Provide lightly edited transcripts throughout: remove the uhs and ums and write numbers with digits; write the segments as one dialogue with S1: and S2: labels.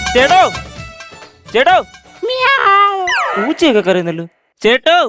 S1: ചേട്ടോ ചേട്ടോ പൂച്ചയൊക്കെ കരയുന്നല്ലോ. ചേട്ടോ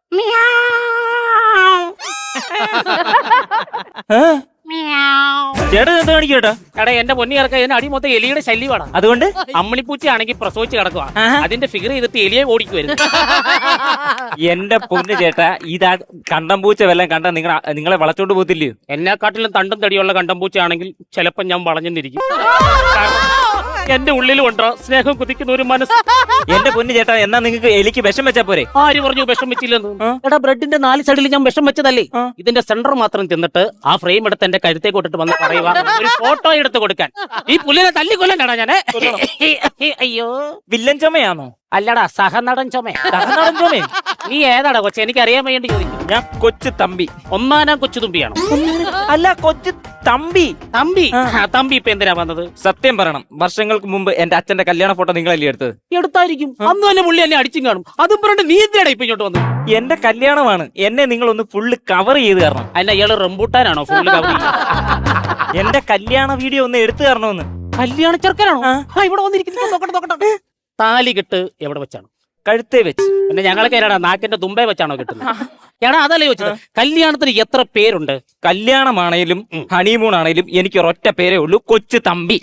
S1: ചേട്ടൻ എന്താ കാണിക്കട്ടാ?
S2: എടാ എന്റെ പൊന്നി ഇറക്ക ഇതിന് അടി മൊത്തം എലിയുടെ ശല്യമാണ്.
S1: അതുകൊണ്ട്
S2: അമ്മിണിപ്പൂച്ചയാണെങ്കിൽ പ്രസവിച്ച് കിടക്കുക, അതിന്റെ ഫിഗർ ചെയ്തിട്ട് എലിയെ ഓടിക്കുവരുന്നു.
S1: എന്റെ പൊന്ന് ചേട്ടാ, ഇതാ കണ്ടം പൂച്ച വല്ലതും കണ്ടാ നിങ്ങളെ വളച്ചോണ്ട് പോകത്തില്ലയോ?
S2: എന്നെക്കാട്ടിലും തണ്ടും തടിയുള്ള കണ്ടംപൂച്ചയാണെങ്കിൽ ചിലപ്പോ ഞാൻ വളഞ്ഞെന്നിരിക്കും. എന്റെ ഉള്ളിലും ഉണ്ടോ സ്നേഹം കുതിക്കുന്ന ഒരു മനസ്സ്.
S1: എന്റെ പൊന്ന് ചേട്ടാ, എന്നാ നിങ്ങൾക്ക് എലിക്ക് വിഷം വെച്ചാ പോരെ?
S2: ആര് പറഞ്ഞു വിഷം വെച്ചില്ലെന്ന്? എടാ ബ്രെഡിന്റെ 4 സൈഡിൽ ഞാൻ വിഷം വെച്ചതല്ലേ, ഇതിന്റെ സെന്റർ മാത്രം തിന്നിട്ട് ആ ഫ്രെയിം എടുത്ത് എന്റെ കരുത്തെ കൊട്ടിട്ട് വന്ന് പറയുക ഒരു ഫോട്ടോ എടുത്ത് കൊടുക്കാൻ. ഈ പുല്ലിനെ തല്ലിക്കൊല്ലണ്ടാ ഞാന്. അയ്യോ
S1: വില്ലൻ ചുമയാണോ?
S2: അല്ലടാ സഹനടൻ ചുമ.
S1: സഹനടൻ ചുമ?
S2: നീ ഏതാടാ കൊച്ചെ, എനിക്ക് അറിയാൻ വേണ്ടി ചോദിക്കും.
S1: ഞാൻ കൊച്ചു തമ്പി.
S2: ഒന്നാനാം കൊച്ചു തുമ്പിയാണോ?
S1: അല്ല, കൊച്ചു തമ്പി.
S2: തമ്പി തമ്പി ഇപ്പൊ എന്തിനാ വന്നത്?
S1: സത്യം പറയണം, വർഷങ്ങൾക്ക് മുമ്പ് എന്റെ അച്ഛന്റെ കല്യാണ ഫോട്ടോ നിങ്ങളല്ലേ എടുത്തത്?
S2: എടുത്തായിരിക്കും. അന്ന് തന്നെ പുള്ളി എന്നെ അടിച്ചും കാണും. അതും പറഞ്ഞിട്ട് നീ എന്തിനാടാ ഇപ്പൊ ഇങ്ങോട്ട് വന്നത്?
S1: എന്റെ കല്യാണമാണ്, എന്നെ നിങ്ങളൊന്ന് ഫുള്ള് കവർ ചെയ്ത് തരണം.
S2: അല്ല ഇയാള് റംബൂട്ടാനാണോ ഫുള്ള് കവർ?
S1: എന്റെ കല്യാണ വീഡിയോ ഒന്ന് എടുത്തു തരണമെന്ന്.
S2: കല്യാണ ചെറുക്കനാണോ ഇവിടെ വന്നിരിക്കുന്നത്? നോക്കട്ടെ. താലി കെട്ട് എവിടെ വെച്ചാണ്?
S1: കഴുത്തേ വെച്ച്.
S2: പിന്നെ ഞങ്ങളൊക്കെ ഏടാ നാക്കിന്റെ തുമ്പേ വെച്ചാണോ കിട്ടുന്നത്? എടാ അതല്ലേ ചോദിച്ചത്. കല്യാണത്തിന് എത്ര പേരുണ്ട്?
S1: കല്യാണമാണേലും ഹണിമൂൺ ആണേലും എനിക്ക് ഒരൊറ്റ പേരേ ഉള്ളൂ, കൊച്ചു തമ്പി.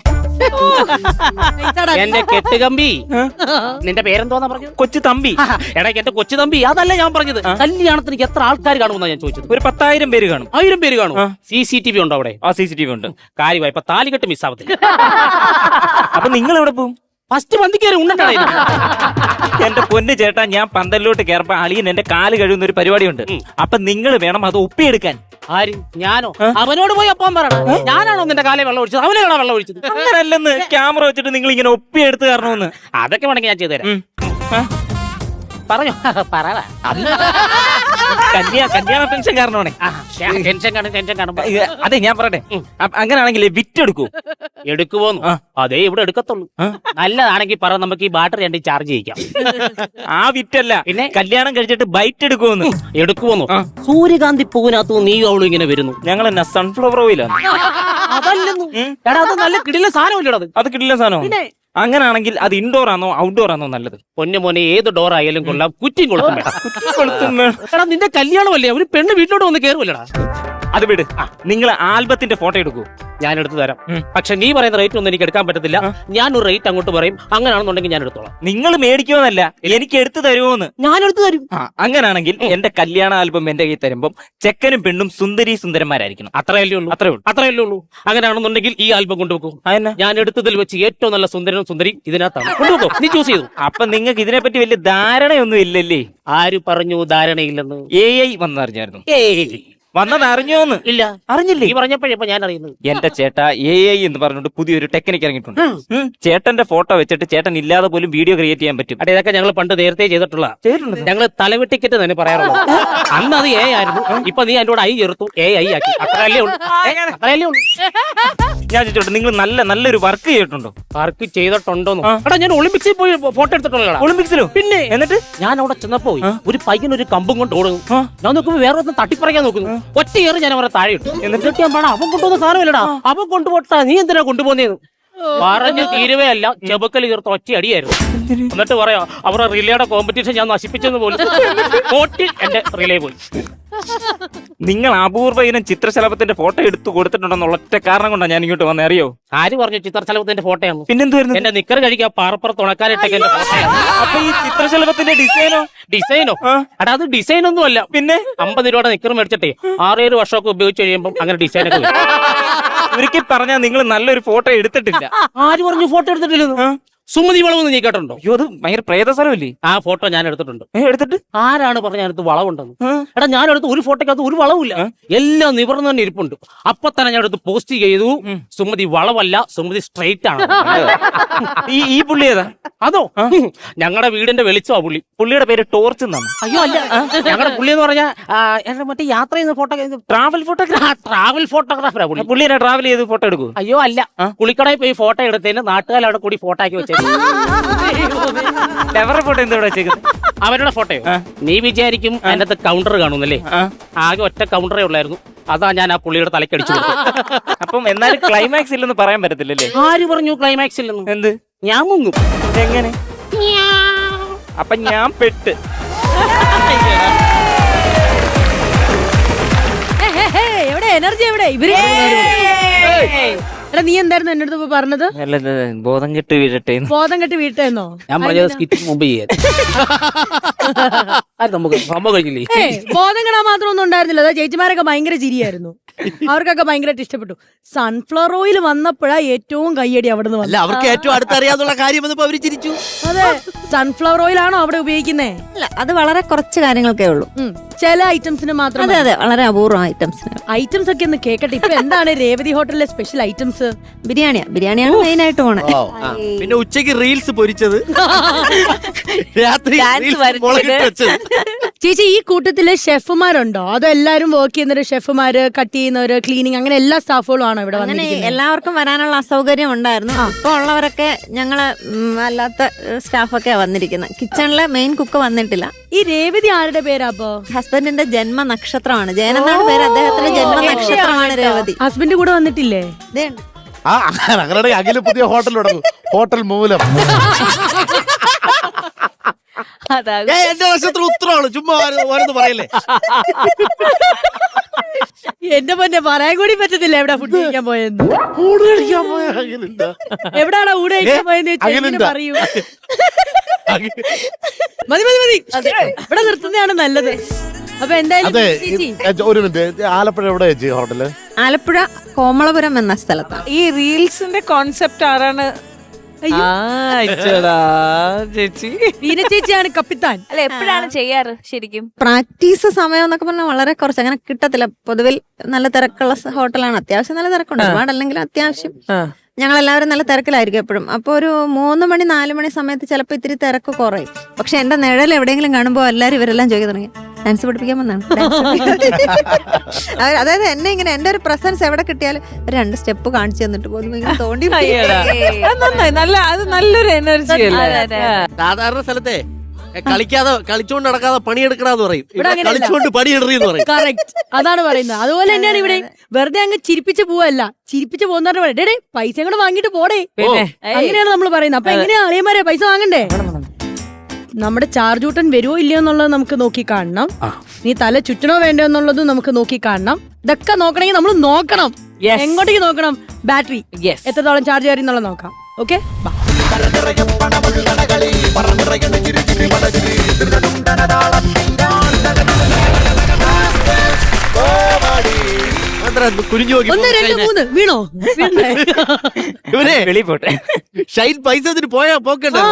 S2: എന്റെ കെട്ടുകമ്പി. നിന്റെ പേരെന്തോന്നാ പറഞ്ഞത്?
S1: കൊച്ചു തമ്പി.
S2: എടാ എന്റെ കൊച്ചു തമ്പി അതല്ല ഞാൻ പറഞ്ഞത്. കല്യാണത്തിന് എത്ര ആൾക്കാർ കാണുമെന്നാ ഞാൻ ചോദിച്ചത്.
S1: ഒരു 10,000 പേര് കാണും.
S2: 1000 പേര് കാണും. CCTV ഉണ്ടോ അവിടെ?
S1: ആ CCTV ഉണ്ട്.
S2: കാര്യമായി ഇപ്പൊ താലികെട്ട് മിസ്സാവത്തില്ല.
S1: അപ്പൊ നിങ്ങൾ എവിടെ പോകും?
S2: ഫസ്റ്റ് പന്തിക്കേറി ഉണ്ടോ?
S1: എന്റെ പൊന്ന് ചേട്ടാ, ഞാൻ പന്തലിലോട്ട് കയറപ്പോ അളിയൻ എന്റെ കാല് കഴുകുന്ന ഒരു പരിപാടിയുണ്ട്. അപ്പൊ നിങ്ങൾ വേണം അത് ഒപ്പിയെടുക്കാൻ.
S2: ആര്? ഞാനോ? അവനോട് പോയി ഒപ്പം പറയണം. ഞാനാണോ നിന്റെ കാലേ വെള്ളം ഒഴിച്ചത്? അവനാണോ വെള്ളം ഒഴിച്ചത്?
S1: അങ്ങനല്ലെന്ന്, ക്യാമറ വെച്ചിട്ട് നിങ്ങൾ ഇങ്ങനെ ഒപ്പിയെടുത്ത് തരണമെന്ന്.
S2: അതൊക്കെ വേണമെങ്കിൽ ഞാൻ ചെയ്തുതരാം. പറഞ്ഞോ പറ.
S1: കല്യാണ ടെൻഷൻ കാരണമാണേ.
S2: ടെൻഷൻ കാണുമ്പോ
S1: അതെ ഞാൻ പറയട്ടെ, അങ്ങനെയാണെങ്കിൽ വിറ്റെടുക്കൂ.
S2: എടുക്കുവോന്നു? അതേ ഇവിടെ എടുക്കത്തുള്ളൂ. നല്ലതാണെങ്കിൽ പറ, നമുക്ക് ഈ ബാറ്ററി രണ്ട് ചാർജ് ചെയ്യിക്കാം.
S1: ആ വിറ്റല്ല, പിന്നെ കല്യാണം കഴിച്ചിട്ട് ബൈറ്റ് എടുക്കുമെന്ന്.
S2: എടുക്കുവോന്നു? സൂര്യകാന്തി പൂവിനകത്തു നീ അവളും ഇങ്ങനെ വരുന്നു.
S1: ഞങ്ങൾ എന്നാ സൺഫ്ലവർ ഓയിലാണ്.
S2: അതല്ലെന്നു. എടാ അത് നല്ല കിടില സാധനമല്ലേടത്?
S1: അത് കിടില സാധനം. അങ്ങനാണെങ്കിൽ അത് ഇൻഡോർ ആണോ ഔട്ട്ഡോർ ആണോ നല്ലത്?
S2: പൊന്നു മോനെ, ഏത് ഡോർ ആയാലും കൊള്ളാം, കുറ്റിയും കൊളുത്തും വേണം. എടാ നിന്റെ കല്യാണമല്ലേ, ഒരു പെണ്ണ് വീട്ടിലോട്ട് വന്ന് കയറുമല്ലടാ.
S1: അത് വിട്, നിങ്ങൾ ആൽബത്തിന്റെ ഫോട്ടോ എടുക്കൂ,
S2: ഞാൻ എടുത്തു തരാം. പക്ഷെ നീ പറയുന്ന റേറ്റ് ഒന്നും എനിക്ക് എടുക്കാൻ പറ്റത്തില്ല. ഞാനൊരു റേറ്റ് അങ്ങോട്ട് പറയും, അങ്ങനെയാണെന്നുണ്ടെങ്കിൽ ഞാൻ എടുത്തോളാം.
S1: നിങ്ങൾ മേടിക്കുമെന്നല്ല, എനിക്ക് എടുത്തു തരുമോന്ന്.
S2: ഞാൻ എടുത്തു തരും.
S1: അങ്ങനാണെങ്കിൽ എന്റെ കല്യാണ ആൽബം എന്റെ കയ്യിൽ തരുമ്പം ചെക്കനും പെണ്ണും സുന്ദരി സുന്ദരന്മാരായിരിക്കണം.
S2: അത്രയല്ലേ ഉള്ളൂ. അങ്ങനെയാണെന്നുണ്ടെങ്കിൽ ഈ ആൽബം കൊണ്ടുപോകും. ഞാൻ എടുത്തതിൽ വെച്ച് ഏറ്റവും നല്ല സുന്ദരനും സുന്ദരി ഇതിനകത്താണ്. കൊണ്ടുപോകും, നീ ചൂസ് ചെയ്തു.
S1: അപ്പൊ നിങ്ങൾക്ക് ഇതിനെപ്പറ്റി വലിയ ധാരണയൊന്നും ഇല്ലല്ലേ?
S2: ആര് പറഞ്ഞു ധാരണയില്ലെന്ന്?
S1: AI വന്നറിഞ്ഞായിരുന്നു. വന്നത് അറിഞ്ഞോന്ന്?
S2: ഇല്ല,
S1: അറിഞ്ഞില്ലേ?
S2: ഈ പറഞ്ഞപ്പോഴപ്പോ ഞാൻ അറിയുന്നത്.
S1: എന്റെ ചേട്ടാ, AI എന്ന് പറഞ്ഞിട്ട് പുതിയൊരു ടെക്നിക്ക് ഇറങ്ങിയിട്ടുണ്ട്. ചേട്ടന്റെ ഫോട്ടോ വെച്ചിട്ട് ചേട്ടൻ ഇല്ലാതെ പോലും വീഡിയോ ക്രിയേറ്റ് ചെയ്യാൻ പറ്റും.
S2: അതെ, ഇതൊക്കെ ഞങ്ങൾ പണ്ട് നേരത്തെ ചെയ്തിട്ടുള്ള. ഞങ്ങൾ തലവെട്ടിക്കറ്റ് തന്നെ പറയാറുള്ളൂ. അന്ന് അത് A ആയിരുന്നു, ഇപ്പൊ നീ അതിന്റെ കൂടെ I ചേർത്തു, AI ആക്കി. അത്രയല്ലേ ഉള്ളൂ.
S1: ഞാൻ ചോദിച്ചോട്ടെ, നിങ്ങൾ നല്ലൊരു വർക്ക് ചെയ്തിട്ടുണ്ടോ?
S2: വർക്ക് ചെയ്തിട്ടുണ്ടോന്നോ? എടാ ഞാൻ ഒളിമ്പിക്സിൽ പോയി ഫോട്ടോ എടുത്തിട്ടുള്ള.
S1: ഒളിമ്പിക്സിലോ?
S2: പിന്നെ എന്നിട്ട് ഞാൻ അവിടെ ചെന്നപ്പോ ഒരു പയ്യൻ ഒരു കമ്പും കൊണ്ട് ഓടുന്നു. ഞാൻ നോക്കുമ്പോ വേറെ ഒന്ന് തട്ടിപ്പറയാൻ നോക്കുന്നു. ഒറ്റ ഏറ് ഞാൻ അവരെ താഴെ ഇട്ടു. എന്നിട്ട് ഞാൻ പറഞ്ഞ അവൻ കൊണ്ടുപോകുന്ന സാധനമല്ലടാ, അവൻ കൊണ്ടുപോട്ടാ, നീ എന്തിനാ കൊണ്ടുപോകുന്നേന്ന് പറഞ്ഞു തീരുവേ അല്ല. ചെബക്കൽ ചേർത്ത് ഒറ്റ അടിയായിരുന്നു. എന്നിട്ട് പറയാ അവരുടെ റിലേയുടെ കോമ്പറ്റീഷൻ ഞാൻ നശിപ്പിച്ചെന്ന് പോലും. കോട്ടിൽ എന്റെ റിലേ പോയി.
S1: നിങ്ങൾ അപൂർവ ഇനം ചിത്രശലഭത്തിന്റെ ഫോട്ടോ എടുത്തു കൊടുത്തിട്ടുണ്ടെന്നുള്ള ഒറ്റ കാരണം കൊണ്ടാണ് ഞാൻ ഇങ്ങോട്ട് വന്നേ. അറിയോ?
S2: ആര് പറഞ്ഞു ചിത്രശലഭത്തിന്റെ ഫോട്ടോയാണ്?
S1: പിന്നെന്തുവായിരുന്നു?
S2: എന്റെ നിക്കർ കഴിക്കാൻ പാറപ്പുറത്ത് ഉണക്കാനിട്ടൊക്കെ എന്റെ ഫോട്ടോയാണ്.
S1: അപ്പൊ ഈ ചിത്രശലഭത്തിന്റെ ഡിസൈനോ?
S2: എടാ അത് ഡിസൈൻ ഒന്നും അല്ല. പിന്നെ 50 രൂപയുടെ നിക്കർ മേടിച്ചിട്ടേ 6-7 വർഷമൊക്കെ ഉപയോഗിച്ച് കഴിയുമ്പോൾ അങ്ങനെ ഡിസൈനൊക്കെ
S1: ഒരിക്കൽ പറഞ്ഞാൽ നിങ്ങൾ നല്ലൊരു ഫോട്ടോ എടുത്തിട്ടില്ല.
S2: ആര് പറഞ്ഞു ഫോട്ടോ എടുത്തിട്ടില്ലെന്ന്? സുമതി വളവെന്ന് നീ കേട്ടോ?
S1: അയ്യോ, അത് ഭയങ്കര പ്രേതസ്ഥലമല്ലേ?
S2: ആ ഫോട്ടോ ഞാൻ എടുത്തിട്ടുണ്ട്.
S1: എടുത്തിട്ട്
S2: ആരാണ് പറഞ്ഞ അടുത്ത് വളവുണ്ടെന്ന്? എടാ ഞാൻ എടുത്ത് ഒരു ഫോട്ടോക്കകത്ത് ഒരു വളവില്ല, എല്ലാം നിവർന്ന് തന്നെ ഇരിപ്പുണ്ട്. അപ്പൊ തന്നെ ഞാൻ എടുത്ത് പോസ്റ്റ് ചെയ്തു, സുമതി വളവല്ല, സുമതി സ്ട്രെയിറ്റ് ആണ്.
S1: ഈ പുള്ളി ഏതാ?
S2: അതോ ഞങ്ങളുടെ വീടിന്റെ വെളിച്ചമാ പുള്ളി.
S1: പുള്ളിയുടെ പേര് ടോർച്ച് എന്നാണ്.
S2: അയ്യോ അല്ല, ഞങ്ങളുടെ പുള്ളി എന്ന് പറഞ്ഞാൽ മറ്റേ യാത്ര ചെയ്യുന്ന ഫോട്ടോ, ട്രാവൽ ഫോട്ടോഗ്രാഫറാ പുള്ളി.
S1: പുള്ളി ട്രാവൽ ചെയ്ത് ഫോട്ടോ എടുക്കൂ?
S2: അയ്യോ അല്ല, പുള്ളിക്കടയിൽ പോയി ഫോട്ടോ എടുത്തതിന് നാട്ടുകാർ അവിടെ കൂടി ഫോട്ടോ ആക്കി വെച്ചത്.
S1: ഫോട്ടോ എന്താ വെച്ചേക്കുന്നത്?
S2: അവരുടെ ഫോട്ടോയോ? നീ വിചാരിക്കും അതിനകത്ത് കൗണ്ടർ കാണുന്നല്ലേ? ആകെ ഒറ്റ കൗണ്ടറേ ഉള്ളായിരുന്നു. അതാ ഞാൻ ആ പുള്ളിയുടെ തലക്കടിച്ചു കൊടുത്തു.
S1: അപ്പം എന്നാലും ക്ലൈമാക്സ് ഇല്ലെന്ന് പറയാൻ പറ്റത്തില്ലല്ലേ?
S2: ആര് പറഞ്ഞു ക്ലൈമാക്സ് ഇല്ലെന്ന്?
S1: എന്ത്?
S2: ഞാൻ മുങ്ങും.
S1: എങ്ങനെ? അപ്പൊ ഞാൻ പെട്ട്.
S3: എവിടെ എനർജി എവിടെ ഇവര് എടാ നീ എന്തായിരുന്നു എന്റെ അടുത്ത് പറഞ്ഞത്?
S1: അല്ല, ബോധം കെട്ട് വീഴട്ടെ.
S3: ബോധം കെട്ടി വീട്ടെന്നോ?
S2: ഞാൻ പറഞ്ഞത് സ്കിറ്റ് മുമ്പ് ചെയ്യാൻ. അത് നമുക്ക് സംഭവം കഴിഞ്ഞില്ലേ?
S3: ബോധം കെടാൻ മാത്രം ഒന്നും ഉണ്ടായിരുന്നില്ല. അതാ ചേച്ചിമാരൊക്കെ ഭയങ്കര ചിരിയായിരുന്നു. അവർക്കൊക്കെ ഭയങ്കരമായിട്ട് ഇഷ്ടപ്പെട്ടു. സൺഫ്ലവർ ഓയിൽ വന്നപ്പോഴാ ഏറ്റവും കയ്യടി അവിടെ നിന്ന്
S4: അല്ല, അവർക്ക് ഏറ്റവും അടുത്തറിയാന്നുള്ള കാര്യം വന്നപ്പോ അവര് ചിരിച്ചു.
S3: അതെ, സൺഫ്ലവർ ഓയിൽ ആണോ അവിടെ ഉപയോഗിക്കുന്നേ?
S5: അല്ല, അത് വളരെ കുറച്ച് കാര്യങ്ങൾക്കേ ഉള്ളൂ.
S3: ചില ഐറ്റംസിന് മാത്രം.
S5: അതെ അതെ, വളരെ അപൂർവം ഐറ്റംസിന്.
S3: ഐറ്റംസ് ഒക്കെ ഒന്ന് കേക്കട്ടെ. ഇപ്പൊ എന്താണ് രേവതി ഹോട്ടലിലെ സ്പെഷ്യൽ ഐറ്റംസ്?
S5: ബിരിയാണിയാണ് മെയിൻ ആയിട്ട് പോണേ.
S4: പിന്നെ ഉച്ചക്ക് റീൽസ് പൊരിച്ചത്, രാത്രി
S5: Dance
S4: reels
S5: വരച്ചത്.
S4: മുളകിട്ട് വെച്ചത്.
S3: ചേച്ചി, ഈ കൂട്ടത്തില് ഷെഫുമാരുണ്ടോ? അതോ എല്ലാരും വർക്ക് ചെയ്യുന്നവര്, ഷെഫുമാര്, കട്ട് ചെയ്യുന്നവര്, ക്ലീനിങ്, അങ്ങനെ എല്ലാ സ്റ്റാഫുകളും ആണോ ഇവിടെ
S5: അങ്ങനെ
S3: വന്നിരിക്കുന്നത്?
S5: എല്ലാവർക്കും വരാനുള്ള അസൗകര്യം ഉണ്ടായിരുന്നു. ഇപ്പൊ ഉള്ളവരൊക്കെ ഞങ്ങള് അല്ലാത്ത സ്റ്റാഫൊക്കെ വന്നിരിക്കുന്നത്. കിച്ചണിലെ മെയിൻ കുക്ക് വന്നിട്ടില്ല.
S3: ഈ രേവതി ആരുടെ പേരാ അപ്പൊ?
S5: ഹസ്ബൻഡിന്റെ ജന്മ നക്ഷത്രമാണ്. ജയനെന്നാണ് പേര്. അദ്ദേഹത്തിന്റെ ജന്മ നക്ഷത്രമാണ് രേവതി.
S3: ഹസ്ബൻഡ് കൂടെ വന്നിട്ടില്ലേ?
S5: ദേ,
S6: അങ്ങനെ അഖില് പുതിയ ഹോട്ടൽ തുടങ്ങും, ഹോട്ടൽ മൂലം.
S4: എന്റെ നക്ഷത്രം ഉത്തരമാണ്, ചുമ്മാ ഓരോന്ന് പറയല്ലേ.
S3: എന്റെ പൊന്നെ, പറയാൻ കൂടി പറ്റത്തില്ല എവിടെ ഫുഡ് കഴിക്കാൻ പോയെന്ന്.
S6: ഊട് കഴിക്കാൻ പോയ അഖിലുണ്ട്.
S3: എവിടാണ് ഊട് കഴിക്കാൻ പോയെന്ന് ചേച്ചി എങ്ങനെ
S6: അഖിലുണ്ടോ?
S3: പറയൂ. മതി മതി മതി, ഇവിടെ നിർത്തുന്നതാണ് നല്ലത്. അപ്പൊ എന്തായാലും
S6: അതെ,
S3: ചേച്ചി,
S6: ഒരു മിനിറ്റ്, ആലപ്പുഴ എവിടെ ചേച്ചി ഹോട്ടല്?
S5: ആലപ്പുഴ കോമളപുരം എന്ന സ്ഥലത്താണ്.
S7: ഈ റീൽസിന്റെ കോൺസെപ്റ്റ് ആരാണ്?
S3: അയ്യോ.
S7: ചേച്ചി
S3: വീന ചേച്ചിയാണ് കപ്പിത്താൻ.
S8: അല്ല എപ്പോഴാണ് ചെയ്യാറ് ശരിക്കും?
S5: പ്രാക്ടീസ് സമയം എന്നൊക്കെ പറഞ്ഞാൽ വളരെ കുറച്ച്, അങ്ങനെ കിട്ടത്തില്ല. പൊതുവിൽ നല്ല തിരക്കുള്ള ഹോട്ടലാണ്. അത്യാവശ്യം നല്ല തിരക്കുണ്ട്, ഒരുപാടല്ലെങ്കിലും അത്യാവശ്യം. ഞങ്ങളെല്ലാവരും നല്ല തിരക്കിലായിരിക്കും എപ്പോഴും. അപ്പോൾ ഒരു 3 മണി 4 മണി സമയത്ത് ചിലപ്പോൾ ഇത്തിരി തിരക്ക് കുറയും. പക്ഷെ എന്റെ നിഴൽ എവിടെയെങ്കിലും കാണുമ്പോൾ എല്ലാവരും ഇവരെല്ലാം ചോദിക്കാൻ തുടങ്ങി, ഡാൻസ് പഠിപ്പിക്കാൻ വന്നാണ്. അതായത് എന്നെ ഇങ്ങനെ എന്റെ ഒരു പ്രസൻസ് എവിടെ കിട്ടിയാലും 2 സ്റ്റെപ്പ് കാണിച്ചു തന്നിട്ട് പോലും ഇങ്ങനെ തോണ്ടി
S7: നന്നായി, അത് നല്ലൊരു എനർജി അല്ലേ?
S4: സാധാരണ സ്ഥലത്തെ കളിച്ചോണ്ട് നടക്കാതെ പണിയെടുക്കണമെന്ന് പറയും.
S3: ഇവിടെ അങ്ങനെയല്ല.
S4: കളിച്ചോണ്ട് പണിയെടുറിയെന്ന് പറയും.
S3: കറക്റ്റ്, അതാണ് പറയുന്നത്. അതുപോലെ തന്നെയാണ് ഇവിടെ. വെറുതെ അങ്ങ് ചിരിപ്പിച്ച് പോവല്ല, ചിരിപ്പിച്ച് പോകുന്നവരുടെ പറയും, ഡേ പൈസ കൂടെ വാങ്ങിട്ട് പോടേ. അങ്ങനെയാണ് നമ്മൾ പറയുന്നത്. അപ്പൊ എങ്ങനെയാ അളിയന്മാരെ പൈസ വാങ്ങണ്ടേ? നമ്മുടെ ചാർജൂട്ടൻ വരുമോ ഇല്ലയോ എന്നുള്ളത് നമുക്ക് നോക്കി കാണണം. നീ തല ചുറ്റണോ വേണ്ടോ എന്നുള്ളതും നമുക്ക് നോക്കി കാണണം. ഇതൊക്കെ നോക്കണമെങ്കിൽ നമ്മൾ നോക്കണം. എങ്ങോട്ടേക്ക് നോക്കണം? ബാറ്ററി എത്രത്തോളം ചാർജ് കയറി എന്നുള്ളത് നോക്കാം. ഓക്കെ,
S4: കുനിഞ്ഞു നോക്കി
S3: 1 2 3 വീണോ?
S4: ഇവരെ
S1: വെളി പോട്ടെ.
S4: ഷൈൻ പൈസ ഇതിന് പോയാ പോക്കണ്ടോ?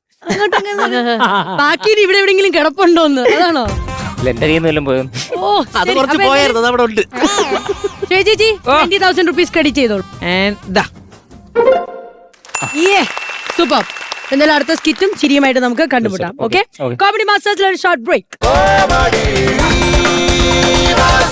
S3: ബാക്കി ഇനി ഇവിടെ എവിടെയെങ്കിലും കിടപ്പുണ്ടോന്ന്, അതാണോ?
S1: എന്റെ കയ്യിൽ നിന്ന് വല്ലതും പോയോ?
S3: ഓ,
S4: അത് കുറച്ച് പോയായിരുന്നു, അത് അവിടെ ഉണ്ട്.
S3: ചേച്ചി 20,000 rupees ക്രെഡിറ്റ് ചെയ്തോളൂ. സൂപ്പർ. എന്തായാലും അടുത്ത സ്കിറ്റും ചിരിയുമായിട്ട് നമുക്ക് കണ്ടുമുട്ടാം. ഓക്കെ, കോമഡി മാസ്റ്റേഴ്സിൽ ഒരു ഷോർട്ട് ബ്രേക്ക്.